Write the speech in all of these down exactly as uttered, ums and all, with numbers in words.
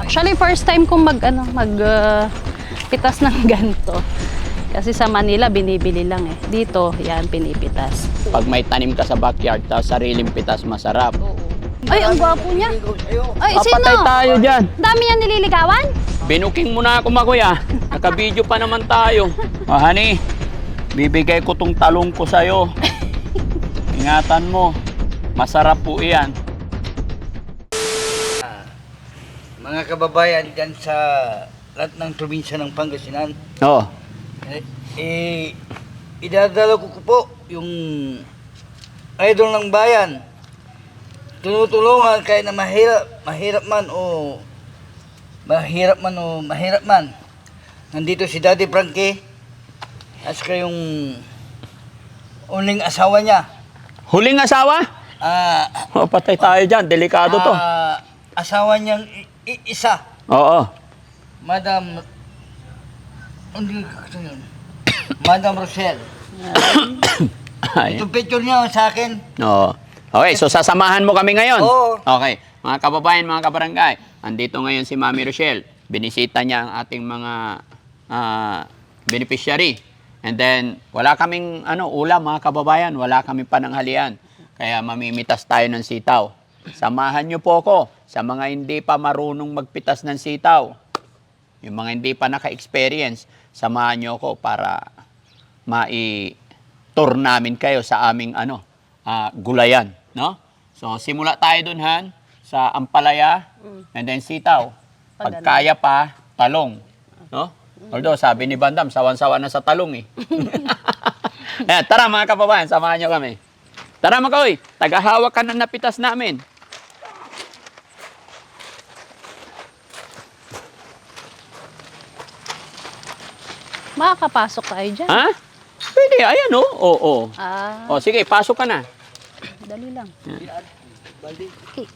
Actually, first time kong mag, ano, mag uh, pitas ng ganito. Kasi sa Manila, binibili lang eh. Dito, yan, pinipitas. Pag may tanim ka sa backyard, tapos sariling pitas, masarap. Oo. Ay, ang gwapo niya. Ay, sino? Papatay tayo dyan. Dami niya nililigawan? Binuking mo na ako, Makuya. Naka-video pa naman tayo. Oh, honey, bibigay ko tong talong ko sa'yo. Ingatan mo. Masarap po iyan. Mga kababayan dyan sa lahat ng probinsya ng Pangasinan, Oo. eh, eh, idadala ko, ko po yung idol ng bayan. Tinutulungan kahit na mahirap, mahirap man o mahirap man o mahirap man. Nandito si Daddy Frankie at saka yung uling asawa niya. Huling asawa? Ah, Oh, patay tayo dyan. Delikado to. ah, asawa niyang i- i- isa. Oo. Madam, hindi ko ito yun. Madam Rosel. Ay. Itong picture niya sa akin. Oo. Okay, so sasamahan mo kami ngayon? Oo. Okay. Mga kababayan, mga kabarangay, andito ngayon si Mami Rochelle. Binisita niya ang ating mga ah, beneficiary. And then, wala kaming ano, ulam, mga kababayan. Wala kaming pananghalian. Kaya mamimitas tayo ng sitaw. Samahan niyo po ako sa mga hindi pa marunong magpitas ng sitaw. Yung mga hindi pa naka-experience, samahan niyo ako para mai-tour namin kayo sa aming ano, ah, gulayan, no? So simula tayo dun, Han, sa ampalaya, and then sitaw. Pag kaya pa, talong, no? Although sabi ni Bandam, sawan-sawa na sa talong eh. Ayan, tara mga kababayan, samahan niyo kami. Tara Makoy, tagahawak ka ng napitas namin. Makakapasok tayo dyan. Ha? Pwede, ayan o. Oo, oo. Ah, O sige, pasok ka na. dali lang. Okay.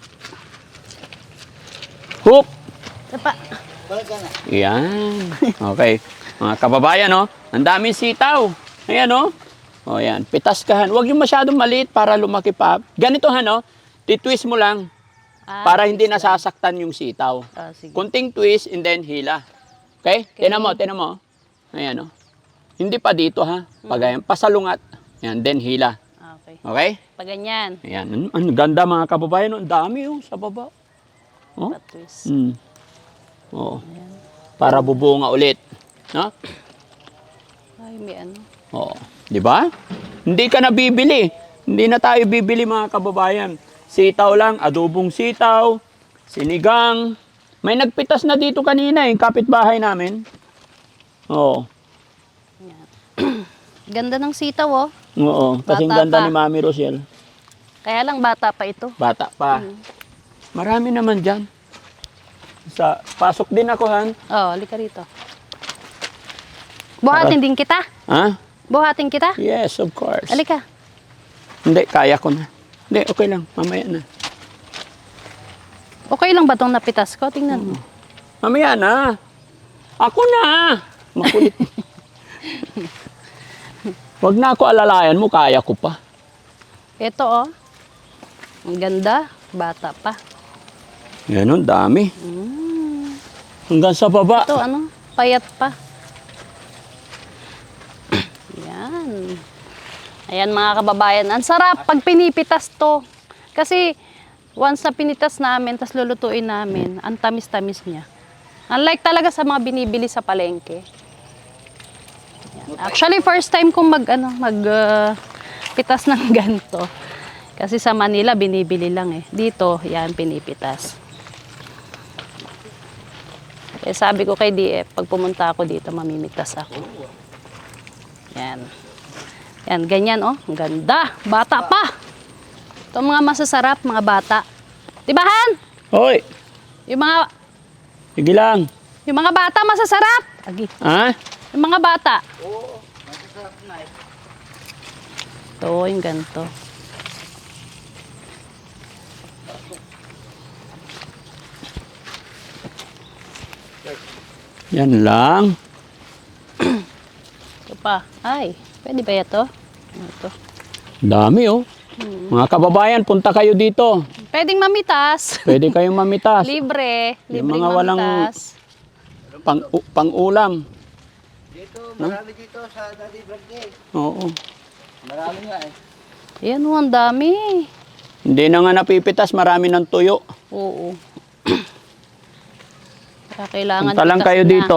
Hook! Tapa. Balik ka na. Yan. Okay. Mga kababayan, no? Ang daming sitaw. Ayan, no? O, yan. Pitas ka, Han. Huwag yung masyadong maliit para lumaki pa. Ganito, Han, no? Titwist mo lang Ah, para hindi twist lang. nasasaktan yung sitaw. Ah, sige. Kunting twist and then hila. Okay? Okay. Tinan mo, tinan mo. Ayan, no? Hindi pa dito, ha? Pag ayan, pasalungat. Ayan, then hila. Ah, okay. Okay? Pag ganyan, Ayan. Ang, ang ganda, mga kababayan. no? Ang dami, oh, sa baba. Oh? patwist. Mm. Oo. Para bubunga ulit. No? Ay, may ano. Oo. Di ba? Hindi ka na bibili. Hindi na tayo bibili, mga kababayan. Sitaw lang, adobong sitaw, sinigang. May nagpitas na dito kanina, yung kapitbahay namin. Oo. Ganda ng sitaw, oh. Oo. Kasing Bata ganda pa. ni Mami Rosel. Kaya lang bata pa ito. Bata pa. Marami naman dyan. Sa, pasok din ako, Han. Oh, halika rito. Buhatin din kita. Ha? Buhatin kita. Yes, of course. Halika. Hindi, kaya ko na. Hindi, okay lang. Mamaya na. Okay lang ba itong napitas ko? Tingnan mo. Mamaya na. Ako na. Makulit. Wag na ako alalayan mo, kaya ko pa. Ito, oh. Ang ganda. Bata pa. Yan, ang dami. Hanggang sa baba. Ito, ano? Payat pa. Yan. Ayan, mga kababayan. Ang sarap pag pinipitas to. Kasi, once na pinitas namin, tas lulutuin namin, ang tamis-tamis niya. Unlike talaga sa mga binibili sa palengke. Yan. Actually, first time kong mag, ano, mag, uh, pitas ng ganito. Kasi sa Manila, binibili lang eh. Dito, yan, pinipitas. Eh, sabi ko kay D F, pag pumunta ako dito, mamimitas ako. Yan. Yan, ganyan, oh. Ang ganda. Bata pa. Ito mga masasarap, mga bata. Diba, Han? Hoy, Yung mga, sige lang. yung mga bata masasarap. Agi. Ha? Yung mga bata. Oo, masasarap na eh. Ito, yung ganito. Yan lang. Ito pa. Ay, pwede ba ito? Ito. Dami, oh. Mga kababayan, punta kayo dito. Pwedeng mamitas. Pwede kayong mamitas. Libre. Yung Libre mga walang mamitas. pang, u- pang-ulam. Dito, marami dito sa Daddy Vlog eh. Oo. Marami nga eh. Ayan o, ang dami. Hindi na nga napipitas, marami ng tuyo. Oo. Kaya kailangan Punta lang pitas kayo na. dito.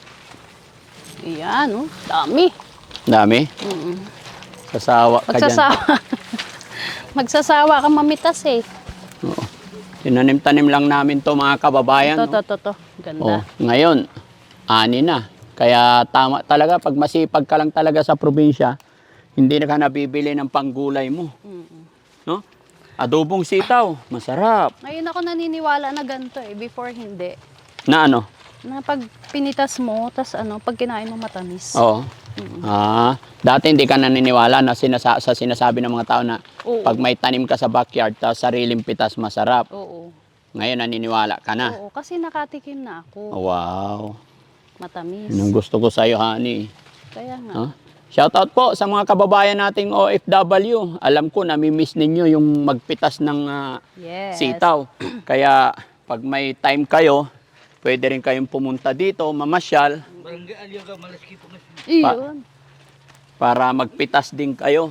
Ayan o, dami. Dami. Mm. Sasawa ka dyan. Magsasawa. Magsasawa ka mamitas eh. Oo. Tinanim-tanim lang namin to mga kababayan. Ito, no? to, to, to. Ganda. Oh, ngayon, ani na. Kaya tama talaga, pag masipag ka lang talaga sa probinsya, hindi na ka nabibili ng panggulay mo. Mm-mm. No? Adobong sitaw, masarap. Ngayon ako naniniwala na ganito eh. Before hindi. Na ano? Na pag pinitas mo, tas ano, pag kinain mo matamis. Oo. Ah, dati hindi ka naniniwala na sinasa sa sinasabi ng mga tao na Oo. pag may tanim ka sa backyard, tapos sariling pitas, masarap. Oo. Ngayon naniniwala ka na. Oo, kasi nakatikim na ako. Wow. Matamis. Yun ang gusto ko sa'yo, honey. Kaya nga. Huh? Shoutout po sa mga kababayan nating O F W. Alam ko, namimiss ninyo yung magpitas ng ah, Yes. sitaw. Kaya pag may time kayo, pwede rin kayong pumunta dito, mamasyal, Barangay Aliyo ka, malaski po kasi. Iyon. para magpitas din kayo.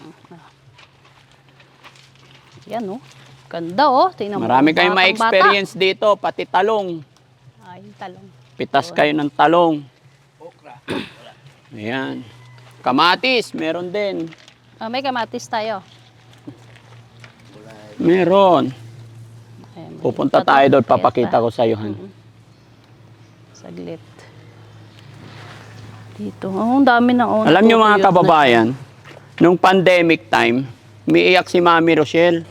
Yan oh. Ganda oh. Tingnan mo. Marami kayong Batang ma-experience dito, pati talong. bata. Ay, talong. Pitas kayo ng talong. Okra. Ayan. Kamatis, meron din. Ah, may kamatis tayo. Meron. Ayan, may- Pupunta ito, tayo doon, ito. papakita ko sa iyo, Han. Saglit. Dito. Oh, ang dami na oh. Alam nyo mga natutuyot na kababayan, nung pandemic time, umiiyak si Mami Rochelle.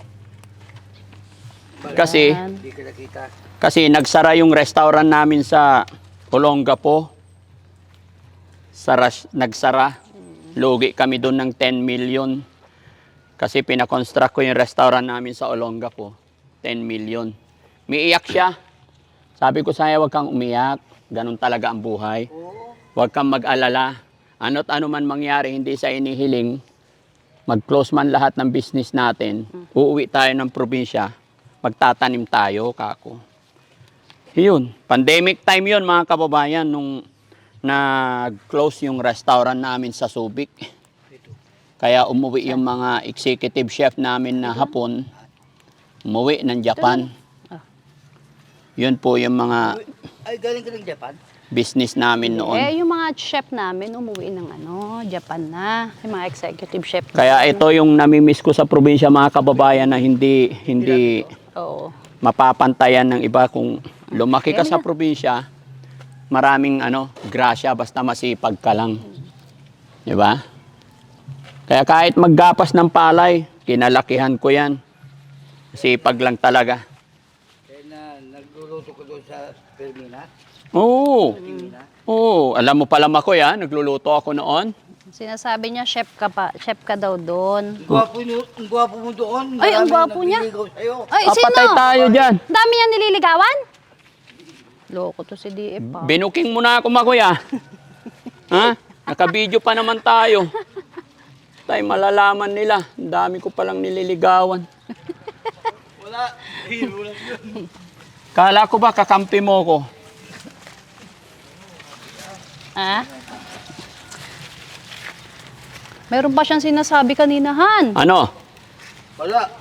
Kasi, Yan. Hindi ka nakita. kasi nagsara yung restaurant namin sa Olongapo. Sara, nagsara. Lugi kami doon ng ten million. Kasi pinakonstruct ko yung restaurant namin sa Olongapo. ten million. Umiiyak siya. Sabi ko sa'yo, huwag kang umiyak. Ganun talaga ang buhay. Oo. Huwag kang mag-alala. Ano't ano man mangyari, hindi sa inihiling, mag-close man lahat ng business natin, uuwi tayo ng probinsya, magtatanim tayo, kako. Yun, pandemic time yun mga kababayan, nung nag-close yung restaurant namin sa Subic. Kaya umuwi yung mga executive chef namin na hapon, umuwi ng Japan. Yun po yung mga Ay, galing ka ng Japan? business namin noon. Eh, yung mga chef namin, umuwi ng ano, Japan na. Yung mga executive chef. Kaya ito yung namimiss ko sa probinsya mga kababayan na hindi hindi Oo. mapapantayan ng iba. Kung lumaki ka sa probinsya, maraming ano, grasya basta masipag ka lang. Di ba? Kaya kahit maggapas ng palay, kinalakihan ko yan. Sipag lang talaga. Kaya na nagluluto ko doon sa Permina. Oo. Permina. Oo. Alam mo pala ako yan, nagluluto ako noon. Sinasabi niya, chef ka pa, chef ka daw doon. Ang gwapo, nyo, ang gwapo mo doon. Ay, ang Maraming gwapo niya. nagliligaw sa'yo. Ay, Ah, sino? patay tayo dyan. Dami niya nililigawan? Loko to si D F pa. Binuking mo na ako, makuya. Ha? Nakabidyo pa naman tayo. Tayo malalaman nila. Ang dami ko palang nililigawan. Wala. Hero lang yun. Kala ko ba kakampi mo ko? Ha? Meron pa siyang sinasabi kanina, Han. Ano? Wala.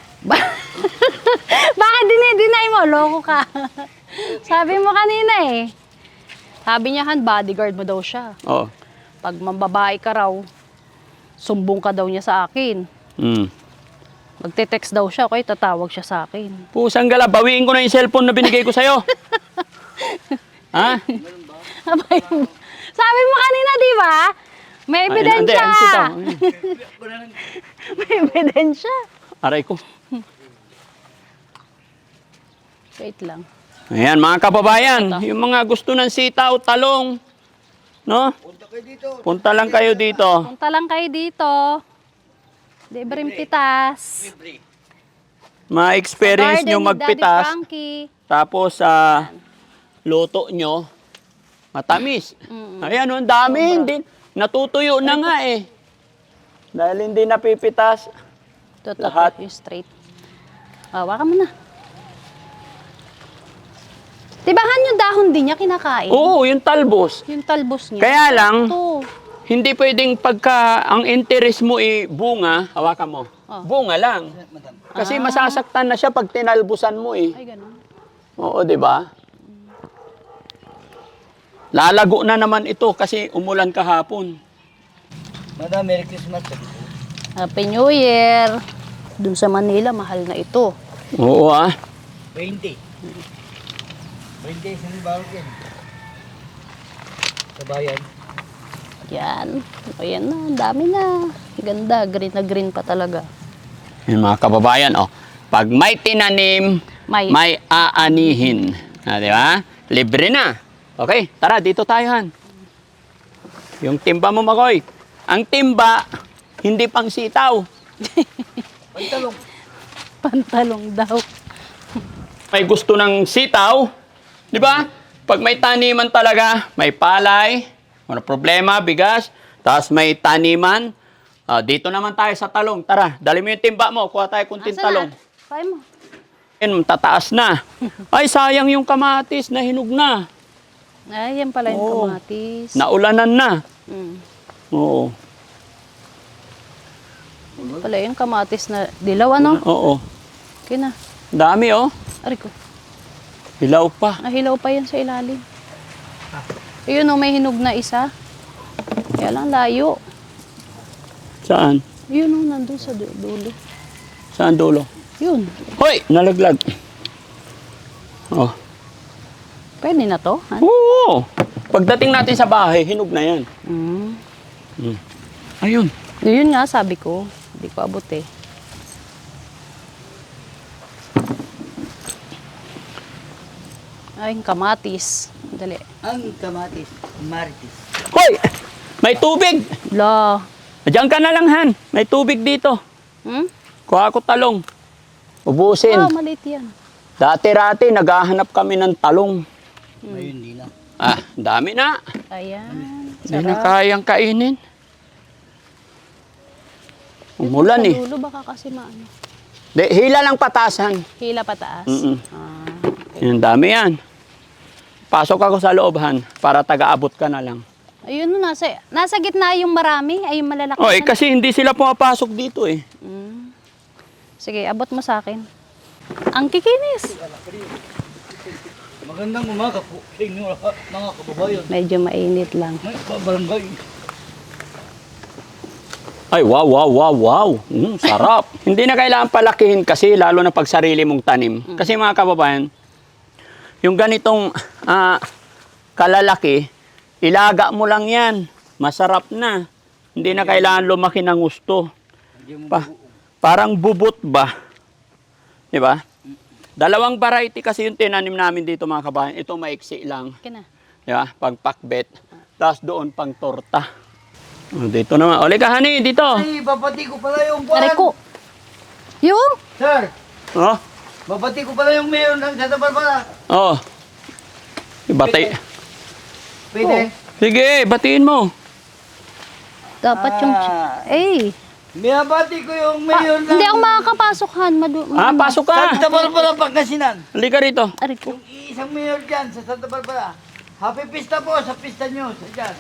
Bakit dinideny mo? Loko ka. Sabi mo kanina eh. Sabi niya, Han, bodyguard mo daw siya. Oh. Pag mambabae ka raw, sumbong ka daw niya sa akin. Hmm. Magte-text daw siya, okay, tatawag siya sa akin. Pusang gala, bawiin ko na yung cellphone na binigay ko sa'yo. Ha? Sabi mo kanina, di ba? May Ay, ebidensya. hindi, sitaw. May ebidensya. Aray ko. Wait lang. Ayan, mga kababayan, yung mga gusto ng sitaw, talong, no? Punta kayo dito. Punta lang kayo dito. Punta lang kayo dito. Libreng pitas. Libre. Ma-experience Garden nyo ni Daddy magpitas. Frankie. Tapos sa luto nyo, matamis. Mm-mm. Ayan, oh, ang dami. Hindi, natutuyo na nga eh. Dahil hindi napipitas. Ito, ito, Lahat. yung straight. Hawakan mo na. Tibahan yung dahon din niya kinakain. Oo, yung talbos. Yung talbos niya. Kaya lang, Ito. hindi pwedeng pagka ang interest mo i bunga, hawakan mo. Oh. Bunga lang. Madam. Kasi masasaktan na siya pag tinalbusan mo eh. Ay, ganun. Oo, di ba? Lalago na naman ito kasi umulan kahapon. Madam, Merry Christmas. Happy New Year. Doon sa Manila, mahal na ito. Oo ah. twenty. twenty isang bawat yan. Sa bayan. Yan. Ayan na, ang dami na. Ganda, green na green pa talaga. Yung mga kababayan, oh. Pag may tinanim, May. may aanihin. Ah, di ba? Libre na. Okay, tara, dito tayo, Han. Yung timba mo, Makoy. Ang timba, hindi pang sitaw. Pantalong. Pantalong daw. May gusto ng sitaw, di ba? Pag may taniman talaga, may palay, wala problema, bigas, tapos may taniman. Ah, dito naman tayo sa talong. Tara, dali mo yung timba mo, kuha tayo kunting Asa talong. na? Kaya mo. Yan, tataas na. Ay, sayang yung kamatis, nahinog na. Ay, yan pala yung Oo. kamatis. Naulanan na. Mm. Oo. Yan pala yung kamatis na dilaw, ano? Oo. Okay na. Dami, oh. Ari ko. Hilaw pa. Nahilaw pa yan sa ilalim. Ayun, oh, may hinog na isa. Kaya lang layo. Saan? Yun, oh, nandun sa du- dulo. Saan dulo? Yun. Hoy! Nalaglag. Oh. Pwede na to? Han? Oo. Pagdating natin sa bahay, hinog na yan. Mm. Mm. Ayun. Yun nga, sabi ko. Hindi ko abot eh. Ay, yung kamatis. Dali. Ang kamatis. Maritis. Hoy! May tubig! La. Diyan ka na lang, Han. May tubig dito. Hmm? Kuha ko talong. Ubusin. Wow, maliit yan. Dati-rati, naghahanap kami ng talong. Ngayon, di na. Ah, dami na. Ayan. Hindi na Sarap. kayang kainin. Umulan Sa eh. dulo baka kasi maano. De, hila lang patasan. Hila pataas. Mm-mm. Ah, Yan, dami yan. Pasok ako sa loob, Han, para taga-abot ka na lang. ayun, no, nasa, nasa gitna yung marami. Ay, yung malalaki. Oh, eh, na- kasi hindi sila pumapasok dito eh. Mm. Sige, abot mo sa akin. Ang kikinis. Magandang umaga po sa inyo lahat, mga kababayan. Medyo mainit lang. May barangay. Ay, wow, wow, wow, wow. Mm, sarap. Hindi na kailangan palakihin kasi, lalo na pag sarili mong tanim. Kasi mga kababayan, yung ganitong ah, kalalaki, ilaga mo lang yan. Masarap na. Hindi na kailangan lumaki ng gusto. Hindi mo Pa, parang bubot ba? Di ba? Dalawang variety kasi yung tinanim namin dito mga kababayan. Ito maiksi lang. Okay na. Di ba? Pang pakbet. Tapos doon pang torta. Oh, dito naman. Ole ka, honey, dito. Ay, babati ko pala yung buwan. Aray ko. Yung? Sir, Oh. babati ko pala yung mayor ng Santa Barbara. Oh. Batay. Pwede? Sige, batiin mo. Dapat yung... Ah. Eh. Binabati ko yung Pa, mayor ng hindi ako makakapasok, Han. Madu Ah, pasok ka. Santa Barbara, Pangasinan. Halika rito. Aray ko. Yung isang mayor dyan sa Santa Barbara. Happy Pista po sa pista nyo sa dyan.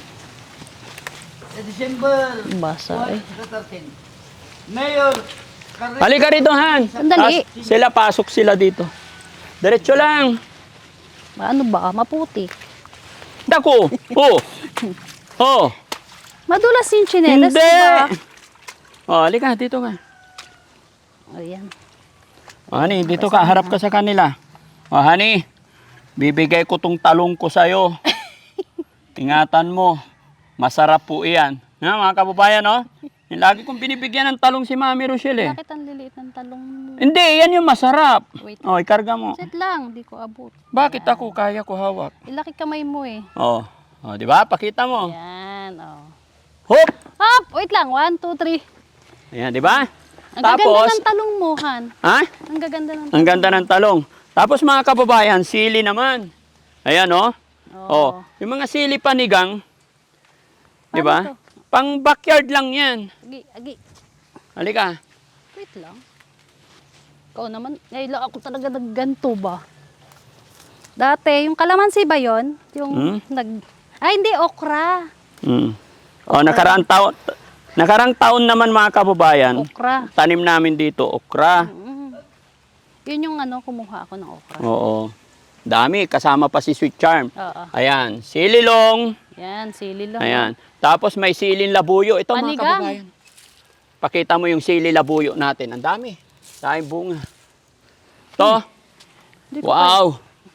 Sa December Basa eh. thirteen. Mayor Carlos. Halika rito, Han. Sandali. Tas sila, pasok sila dito. Diretso lang. Ano ba? Maputi. Dako. Oh. Oh. Madulas yung chinelas, Hindi. diba? Oh, halika, dito ka. Ayan. Oh, honey, dito ka. Harap ka sa kanila. Oh, honey. Bibigay ko tong talong ko sa'yo. Ingatan mo. Masarap po iyan. Ha, mga kababayan, no? Yung lagi kong binibigyan ng talong si Mami Rochelle, eh. Bakit ang liliit ng talong mo? Hindi, yan yung masarap. Wait. Oh, ikarga mo. Sit lang, di ko abot. Bakit ako? Kaya ko hawak. Ilaki kamay mo eh. Oh. Oh, di ba? Pakita mo. Yan, oh. Hop! Hop! Wait lang. One, two, three. Ayan, di ba? Ang gaganda Tapos, ng talong mo, Han. ha? Ang gaganda ng Ang ganda ng talong. Tapos mga kababayan, sili naman. Ayan, oh. Oh, yung mga sili panigang, di ba? Paano to? Pang backyard lang yan. Agi, agi. Halika. Wait lang. Ikaw naman, ngayon lang ako talaga nagganto ba? Dati, yung kalamansi ba yun? Yung Hmm? nag... Ay, hindi, okra. Mm. O, nakaraang taon, nakaraang taon naman mga kababayan, Okra. tanim namin dito, okra. Mm. Yun yung ano, kumuha ako ng okra. Oo. Dami, kasama pa si Sweet Charm. Oo. Ayan, sililong. Yan, sili lang. Ayan. Tapos may siling labuyo. Ito mga Panigang. kababayan. Pakita mo yung sili labuyo natin. Ang dami. Daming bunga. Ito. Hindi ko Wow.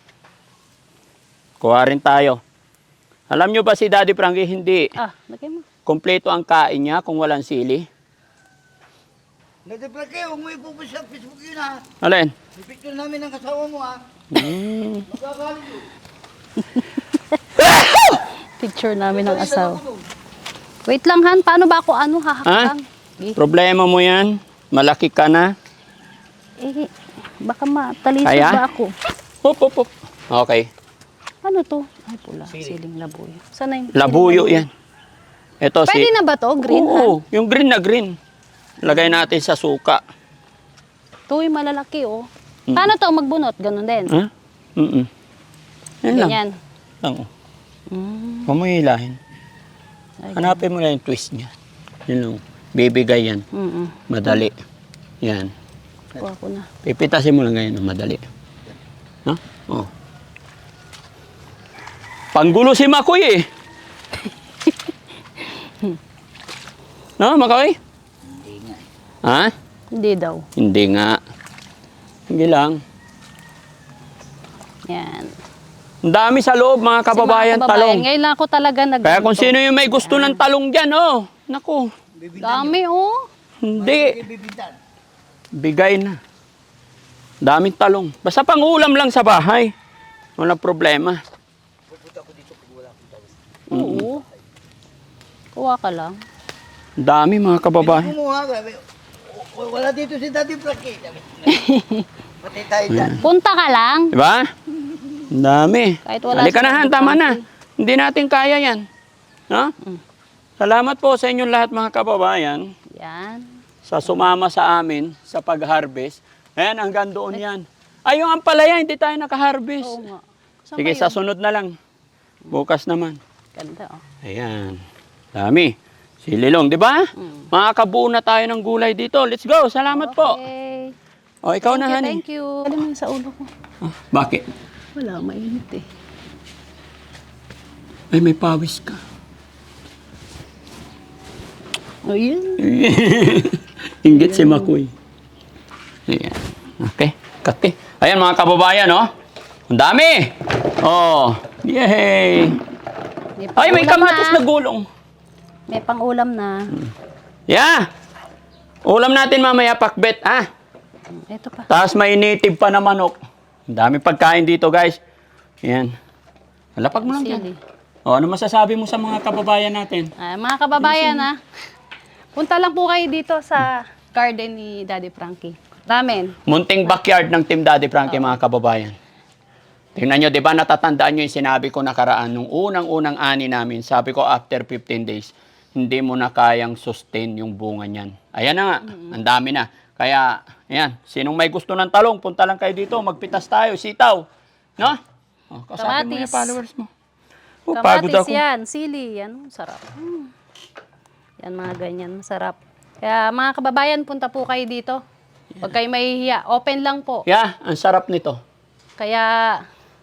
Kuha rin tayo. Alam nyo ba si Daddy Frankie, hindi pa- Ah, lagay mo. kompleto ang kain niya kung walang sili? Nagdipla kayo, huwag mo ipupost sa Facebook yun ha. Alin? May picture namin ng kasawa mo ha. Hmm. Magkakalit yun. Picture namin ng asawa. Wait lang, Han. Paano ba ako ano hahakang? Eh, Problema mo yan. Malaki ka na. eh, baka matalisod Kaya? ba ako? Hop, hop, hop. Okay. Ano to? Ay, pula. Siling labuyo. Sana yung Labuyo siling yan. Ito Pwede si... na ba to? Green, Oo, yung green na green. Lagay natin sa suka. Han? Ito yung malalaki, oh. Mm. Paano to magbunot? Ganun din. Ha? Mm-mm. Yan lang. Ganyan. Lang, oh. Mm. Huwag mo hilahin. Ay, Hanapin mo lang yung twist niya. Yun lang. Bibigay yan. Mm-mm. Madali. Yan. Kuha ko na. Pipitasin mo lang ganyan. Madali. No? Oh. Panggulo si Makoy eh. No, Makoy? Hindi nga. Ha? Hindi daw. Hindi nga. Hindi lang. Yan. Ang dami sa loob, mga kababayan, Si mga talong. Ngayon lang ako talaga nag Kaya kung sino yung may gusto ng talong dyan, oh. Naku. Dami, oh. Hindi. Bibintan. Bigay na. Daming talong. Basta pang ulam lang sa bahay. Walang problema. Pupunta ako dito pag wala akong tawis. Oo. Kuha ka lang. Ang dami, mga kababayan. Kumuha ka. w- Wala dito si Daddy Frankie. Sabi, pati tayo dyan. Punta ka lang. Diba? Ang dami. Kahit wala Halika si na, Han. Daddy Tama na. Frankie. Hindi natin kaya yan. No? Mm. Salamat po sa inyong lahat, mga kababayan, Yan. sa sumama sa amin sa pag-harvest. Ayan, hanggang doon yan. Ay, yung ampalaya, hindi tayo naka-harvest. Oo nga. Saan Sige, ba sa yun? sunod na lang. Bukas naman. Ganda, oh. Ayan. Dami. Sililong, di ba? Mm. Makakabuo na tayo ng gulay dito. Let's go. Salamat po. Okay. O, ikaw na, Thank you, honey. thank you. Alam mo yun sa ulo ko. Ah, bakit? Wala, mainit eh. Ay, may pawis ka. Ayun. Inggit si Makoy. Ayan. Okay. Kati. Ayan, mga kababayan, oh. Ang dami. Oh. Yay. Ay, may pang-ulam kamatis na gulong. May pang-ulam na. Yeah. Ulam natin mamaya, pakbet, ah. Ito pa. Tapos may native pa na manok. Ang dami pagkain dito, guys. Ayan. Lapag mo lang Sili. dyan. O, ano masasabi mo sa mga kababayan natin? Ah, mga kababayan, ha. Punta lang po kayo dito sa garden ni Daddy Frankie. Ramen. Munting backyard ng Team Daddy Frankie, mga kababayan. Tingnan nyo, di ba natatandaan nyo yung sinabi ko nakaraan nung unang-unang ani namin. Sabi ko, after fifteen days, hindi mo na kayang sustain yung bunga niyan. Ayan na nga, ang dami na. Kaya, ayan, sinong may gusto ng talong, punta lang kayo dito, magpitas tayo, sitaw. No? O, kasabi mo yung Kamatis. followers mo. O, pagod Kamatis ako. yan, sili, yan, sarap. Mm. Yan, mga ganyan, masarap. Kaya mga kababayan, punta po kayo dito. Huwag kayo mahihiya. Open lang po. Yeah, ang sarap nito. Kaya,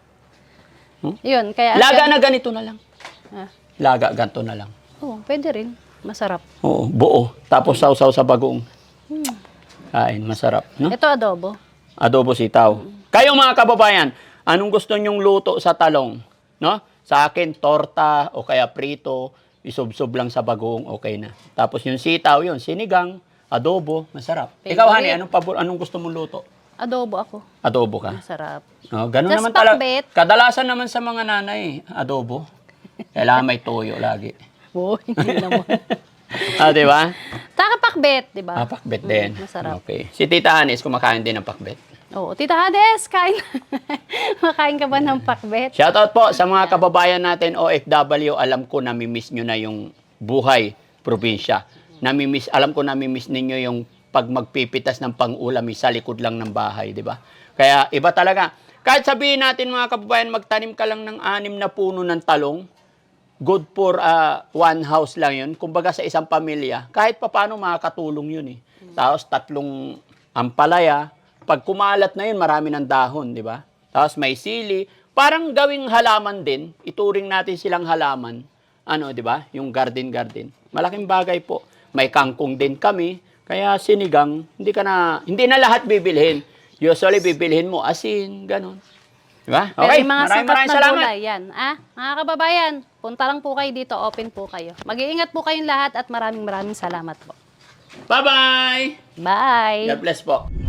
Hmm? yun, kaya... Laga na ganito na lang. Ah, Laga, ganito na lang. oh, pwede rin. Masarap. Oo, buo. Tapos sausaw sa bagoong. Hmm. Kain, masarap. No? Ito adobo. Adobo sitaw. Kayo mga kababayan, anong gusto nyong luto sa talong? No? Sa akin, torta o kaya prito, isubsob lang sa bagoong, okay na. Tapos yung sitaw, yun, sinigang, adobo, masarap. Favorite. Ikaw, honey, anong, pabor, anong gusto mong luto? Adobo ako. Adobo ka? Masarap. No, ganun Just naman talaga. pakbet. Kadalasan naman sa mga nanay, adobo. Kailangan may toyo lagi. Oh, hindi naman. Ah, di ba? Taka pakbet, di ba? Ah, pakbet din. Mm, masarap. Okay. Si Tita Hanis, kumakain din ng pakbet. Oo, Tita Hades, kain. Makain ka ba ng pakbet? Shoutout po sa mga kababayan natin O F W. Alam ko namimiss nyo na yung buhay probinsya. Namimiss, alam ko namimiss ninyo yung pag magpipitas ng pang-ulam eh, sa likod lang ng bahay, di ba? Kaya iba talaga. Kahit sabihin natin mga kababayan, magtanim ka lang ng anim na puno ng talong, good for uh, one house lang yun. Kumbaga sa isang pamilya, kahit papaano makakatulong yun eh. Tapos tatlong ampalaya, pag kumalat na yun, marami ng dahon, di ba? Tapos may sili, parang gawing halaman din, ituring natin silang halaman, ano, di ba? Yung garden-garden. Malaking bagay po. May kangkong din kami, kaya sinigang, hindi ka na, hindi na lahat bibilhin. Usually, bibilhin mo asin, ganun. Diba? Pero Okay, yung mga maraming sangkap maraming na salamat. gulay, yan. Ah, mga kababayan, punta lang po kayo dito, open po kayo. Mag-iingat po kayong lahat at maraming maraming salamat po. Bye-bye! Bye! God bless po.